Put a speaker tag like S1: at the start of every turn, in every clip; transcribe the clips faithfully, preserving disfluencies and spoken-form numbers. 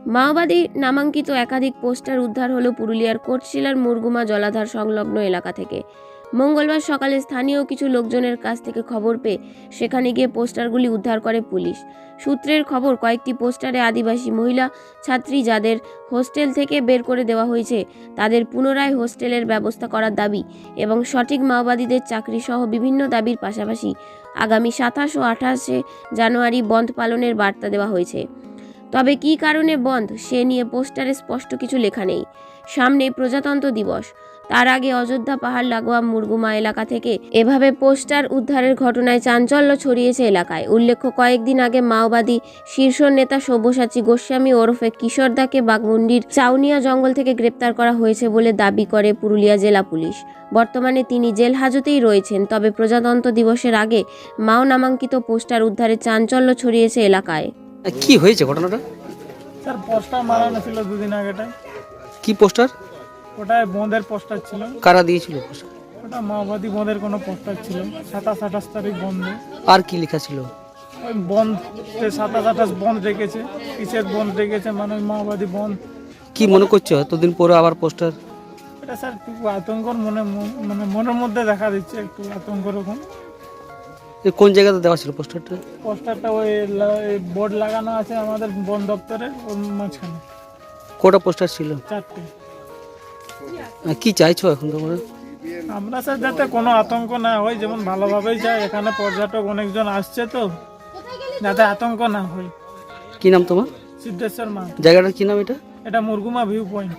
S1: মাওবাদী নামাঙ্কিত একাধিক পোস্টার উদ্ধার হলো পুরুলিয়ার কোটশিলার মুরগুমা জলাধার সংলগ্ন এলাকা থেকে। মঙ্গলবার সকালে স্থানীয় কিছু লোকজনের কাছ থেকে খবর পেয়ে সেখানে গিয়ে পোস্টারগুলি উদ্ধার করে পুলিশ। সূত্রের খবর, কয়েকটি পোস্টারে আদিবাসী মহিলা ছাত্রী যাদের হোস্টেল থেকে বের করে দেওয়া হয়েছে তাদের পুনরায় হোস্টেলের ব্যবস্থা করার দাবি এবং সঠিক মাওবাদীদের চাকরি সহ বিভিন্ন দাবির পাশাপাশি আগামী সাতাশ ও আঠাশে জানুয়ারি বন্ধ পালনের বার্তা দেওয়া হয়েছে। তবে কী কারণে বন্ধ সে নিয়ে পোস্টারে স্পষ্ট কিছু লেখা নেই। সামনে প্রজাতন্ত্র দিবস, তার আগে অযোধ্যা পাহাড় লাগোয়া মুরগুমা এলাকা থেকে এভাবে পোস্টার উদ্ধারের ঘটনায় চাঞ্চল্য ছড়িয়েছে এলাকায়। উল্লেখ্য, কয়েকদিন আগে মাওবাদী শীর্ষ নেতা সব্যসাচী গোস্বামী ওরফে কিশোরদাকে বাঘমুন্ডির চাউনিয়া জঙ্গল থেকে গ্রেপ্তার করা হয়েছে বলে দাবি করে পুরুলিয়া জেলা পুলিশ। বর্তমানে তিনি জেল হাজতেই রয়েছেন। তবে প্রজাতন্ত্র দিবসের আগে মাও নামাঙ্কিত পোস্টার উদ্ধারের চাঞ্চল্য ছড়িয়েছে এলাকায়।
S2: কি হয়েছে ঘটনাটা?
S3: স্যার পোস্টার মারানো ছিল দুদিন আগেটাই।
S2: কি পোস্টার?
S3: ওটা বন্ধের পোস্টার ছিল।
S2: কারা দিয়েছিল পোস্টার?
S3: ওটা মাওবাদী বন্ধের কোনো পোস্টার ছিল। সাতাশ আঠাশ তারিখ বন্ধ।
S2: আর কি লেখা ছিল?
S3: ওই বন্ধ, সাতাশ আঠাশ বন্ধ রেখেছে। কিসের বন্ধ রেখেছে মানে ওই মাওবাদী বন্ধ।
S2: কি মনে করছো এতদিন পরে আবার পোস্টার?
S3: এটা স্যার একটু আতঙ্কর মনে মানে মনের মধ্যে দেখা দিচ্ছে, একটু আতঙ্ক রকম।
S2: কোন জায়গাতে দেওয়া ছিল পোস্টারটা?
S3: পোস্টারটা ওই বোর্ড লাগানো আছে আমাদের বন দপ্তরে, ওর মাঝখানে।
S2: কটা পোস্টার ছিল?
S3: চারটে।
S2: কি চাইছো এখন তোমরা?
S3: আমরা স্যার যাতে কোনো আতঙ্ক না হয়, যেমন ভালোভাবেই যায়। এখানে পর্যটক অনেকজন আসছে, তো যাতে আতঙ্ক না হয়।
S2: কি নাম তোমার?
S3: সিদ্ধেশ্বর মা।
S2: জায়গাটার কি নাম এটা?
S3: এটা মুরগুমা ভিউ পয়েন্ট।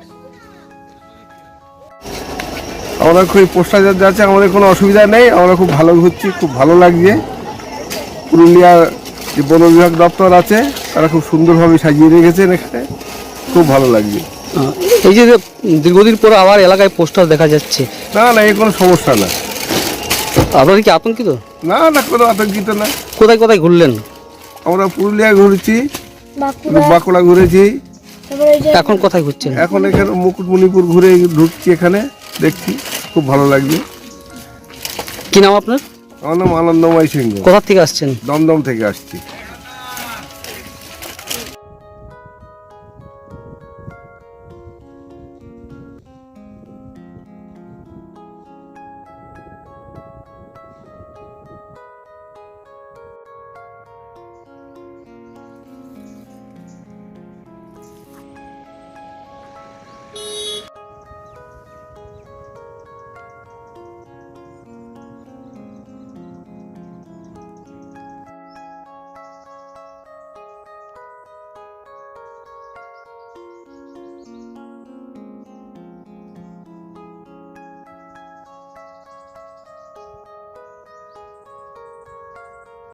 S4: আমরা খুব পোস্টার যাচ্ছে, আমাদের কোনো অসুবিধা নেই। আমরা খুব ভালো ঘুরছি, খুব ভালো লাগছে। পুরুলিয়ার যে বন বিভাগ দপ্তর আছে তারা খুব সুন্দরভাবে সাজিয়ে রেখেছেন এখানে, খুব ভালো লাগছে।
S2: এই যে দীর্ঘদিন পর আবার এলাকায় পোস্টার দেখা যাচ্ছে,
S4: না না এই কোনো সমস্যা না।
S2: আপনারা কি আতঙ্কিত?
S4: না না কোনো আতঙ্কিত না।
S2: কোথায় কোথায় ঘুরলেন?
S4: আমরা পুরুলিয়া ঘুরেছি, বাঁকুড়া ঘুরেছি,
S2: এখন কোথায় ঘুরছেন?
S4: এখন এখানে মুকুটমণিপুর ঘুরে ঢুকছি, এখানে দেখছি, খুব ভালো লাগছে।
S2: কি নাম আপনার?
S4: আমার নাম আনন্দময় সিংহ।
S2: কোথা থেকে আসছেন?
S4: দমদম থেকে আসছি।